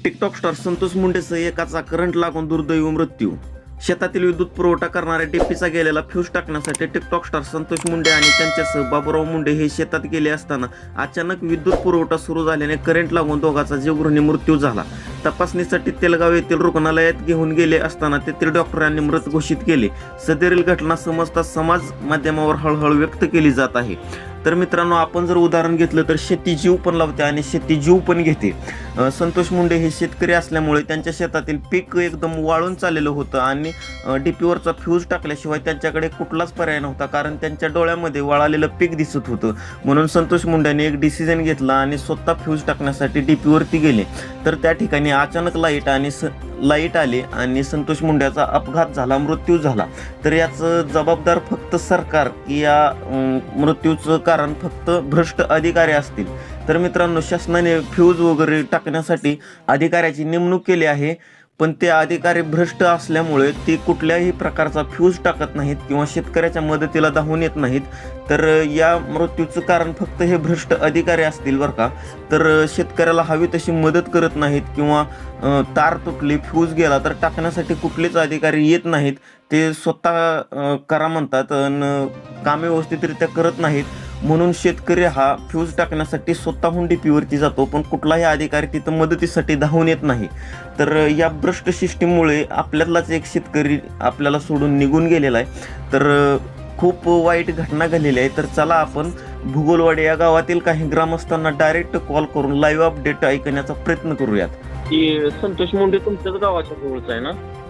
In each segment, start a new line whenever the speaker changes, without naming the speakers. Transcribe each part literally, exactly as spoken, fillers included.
TikTok star Santosh मुंडेसह एकाचा current लागून दुर्दैवी मृत्यू. शेतातील विद्युत पुरवठा करणाऱ्या डीपीचा गेलेला फ्यूज टाकण्यासाठी टिकटॉक स्टार संतोष मुंडे आणि त्यांच्यासह बाबूराव मुंडे हे शेतात गेले असताना अचानक विद्युत पुरवठा सुरू झाल्याने करंट लागून दोघांचा जीवघेणी मृत्यू झाला. तपासणीसाठी तेलगाव येथील रुग्णालयात घेऊन गेले असताना तेथील डॉक्टरांनी मृत घोषित केले. सदरील घटना समजता समाज माध्यमावर हळहळ व्यक्त केली जात आहे. तर मित्रांनो, आपण जर उदाहरण घेतलं तर शेती जीव पण लावते आणि शेती जीव पण घेते. संतोष मुंडे हे शेतकरी असल्यामुळे त्यांच्या शेतातील पीक एकदम वाळून चाललेलं होतं आणि डीपीवरचा फ्यूज टाकल्याशिवाय त्यांच्याकडे कुठलाच पर्याय नव्हता, कारण त्यांच्या डोळ्यामध्ये वाळालेलं पीक दिसत होतं. म्हणून संतोष मुंडेने एक डिसिजन घेतला आणि स्वतः फ्यूज टाकण्यासाठी डीपीवरती गेले. तर त्या ठिकाणी अचानक लाईट आणि स लाईट आली आणि संतोष मुंड्याचा अपघात झाला, मृत्यू झाला. तर याचं जबाबदार फक्त सरकार की या मृत्यूचं कारण फक्त भ्रष्ट अधिकारी असतील. तर मित्रांनो, शासनाने फ्यूज वगैरे टाकण्यासाठी अधिकाऱ्याची नेमणूक केली आहे, पण ते अधिकारी भ्रष्ट असल्यामुळे ते कुठल्याही प्रकारचा फ्यूज टाकत नाहीत किंवा शेतकऱ्याच्या मदतीला धावून येत नाहीत. तर या मृत्यूचं कारण फक्त हे भ्रष्ट अधिकारी असतील बरं का. तर शेतकऱ्याला हवी तशी मदत करत नाहीत किंवा तार तुटली, फ्यूज गेला तर टाकण्यासाठी कुठलेच अधिकारी येत नाहीत. ते स्वतः करा म्हणतात आणि कामे व्यवस्थितरित्या करत नाहीत. म्हणून शेतकरी हा फ्यूज टाकण्यासाठी स्वतःहून डीपीवरती जातो, पण कुठलाही अधिकारी तिथं मदतीसाठी धावून येत नाही. तर या भ्रष्ट सिस्टीममुळे आपल्यातलाच एक शेतकरी आपल्याला सोडून निघून गेलेला आहे. तर खूप वाईट घटना घडलेली आहे. तर चला आपण भूगोलवाडी या गावातील काही ग्रामस्थांना डायरेक्ट कॉल करून लाईव्ह अपडेट ऐकण्याचा प्रयत्न करूयात. की संतोष मुंडे तुमच्याच गावाच्या जवळच आहे ना?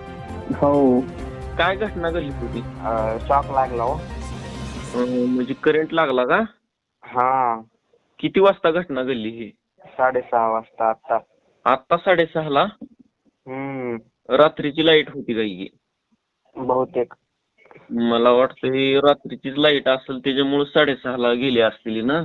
हो.
काय घटना घडली होती?
शॉक लागला हो.
म्हणजे करंट लागला का?
हा.
किती वाजता घटना घडली ही?
साडेसहा वाजता. आता
आता साडेसहा ला?
हम्म
रात्रीची लाईट होती का ही?
बहुतेक.
मला वाटतं ही रात्रीचीच लाईट असेल, त्याच्यामुळे साडेसहा ला गेली असतील ना?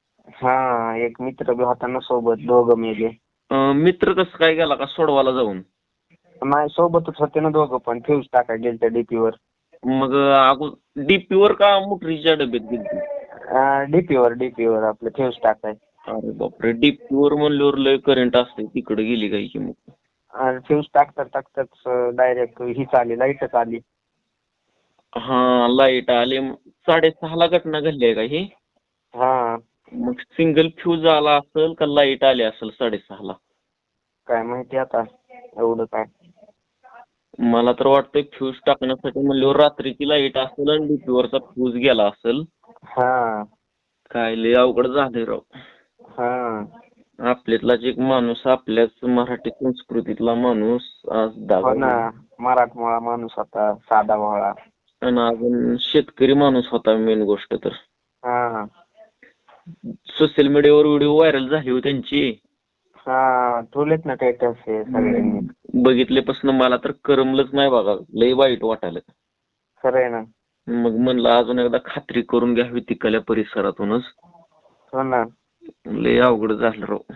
हा, एक मित्र बी होता ना सोबत, दोघं मेले.
मित्र कसं काय गेला का सोडवायला जाऊन?
नाही, सोबतच होते ना दोघं, पण फ्यूज टाकाय गेले त्या डीपीवर.
मग अगोदर डीपीवर का मोटरीच्या डब्यात गेली?
डीपीवर डीपीवर आपलं फ्यूज टाकाय.
अरे बापरे, डीपीवर म्हणल्यावर लय करंट असते, तिकडे गेली काय की मग?
आणि फ्यूज टाकतात टाकतात डायरेक्ट हीच आली, लाईटच आली.
हा, लाईट आली. साडेसहा ला घटना घडली आहे का ही?
हा.
मग सिंगल फ्यूज आला असेल का लाईट आली असेल साडेसहा ला?
काय माहिती आता एवढं काय.
मला तर वाटतंय फ्यूज टाकण्यासाठी म्हणल्यावर रात्रीची लाईट असेल आणि डीपीवरचा फ्यूज गेला असेल.
हा.
काय लय अवघड झाले राव.
हा.
आपल्यातलाच एक माणूस, आपल्याच मराठी संस्कृतीतला माणूस आज
हो ना, मराठमोळा माणूस होता, साधा भोळा.
आणि अजून शेतकरी माणूस होता मेन गोष्ट तर.
हा.
सोशल मीडियावर व्हिडिओ व्हायरल झाली होती त्यांची.
हा, ठेवलेत ना स्टेटस हे सगळ्यांनी.
बघितल्यापासून मला तर करमलंच नाही बघा, लय वाईट वाटायला.
खरं आहे ना.
मग म्हणलं अजून एकदा खात्री करून घ्यावी तिकडल्या परिसरातूनच.
हो ना.
लय अवघड झालं राव.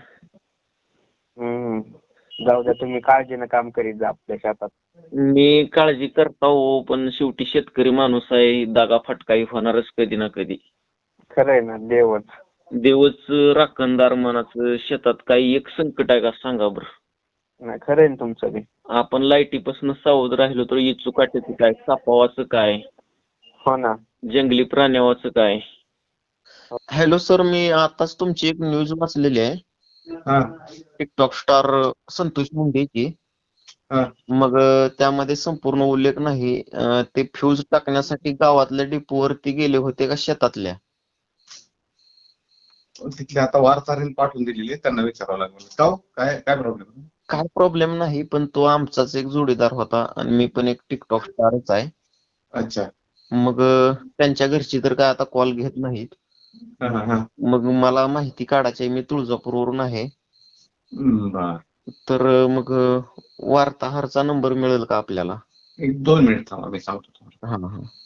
हम्म जाऊ द्या, तुम्ही काळजीनं काम करीत जा आपल्या शेतात.
मी काळजी करता हो, पण शेवटी शेतकरी माणूस आहे, दागा फटकाही होणारच कधी ना कधी.
खरं आहे ना. देवच
देवच राखणदार मनाचं. शेतात काही एक संकट आहे का सांगा बरं?
नाही, खरं आहे ना तुमचं बी.
आपण लाईटीपासून सावध राहिलो तर इचू काट्याचं काय, सापावाचं काय,
हो ना.
जंगली प्राण्यावाचं काय. हॅलो सर, मी आताच तुमची एक न्यूज वाचलेली आहे. टिकटॉक स्टार संतोष मुंडेची. मग त्यामध्ये संपूर्ण उल्लेख नाही, ते फ्यूज टाकण्यासाठी गावातल्या डिपोवरती गेले होते का शेतातल्या?
तिथले आता वार्ताहरील पाठवून दिलेले, त्यांना विचारावं लागेल. का काय काय प्रॉब्लेम?
काय प्रॉब्लेम नाही, पण तो आमचाच एक जोडीदार होता आणि मी पण एक टिकटॉक स्टारच आहे.
अच्छा.
मग त्यांच्या घरची तर काय आता कॉल घेत नाहीत. मग मला माहिती काढायची आहे, मी तुळजापूरवरून आहे. तर मग वार्ताहरचा नंबर मिळेल का आपल्याला?
एक दोन मिनिट थांबा, मी सांगतो तुम्हाला.
हा हा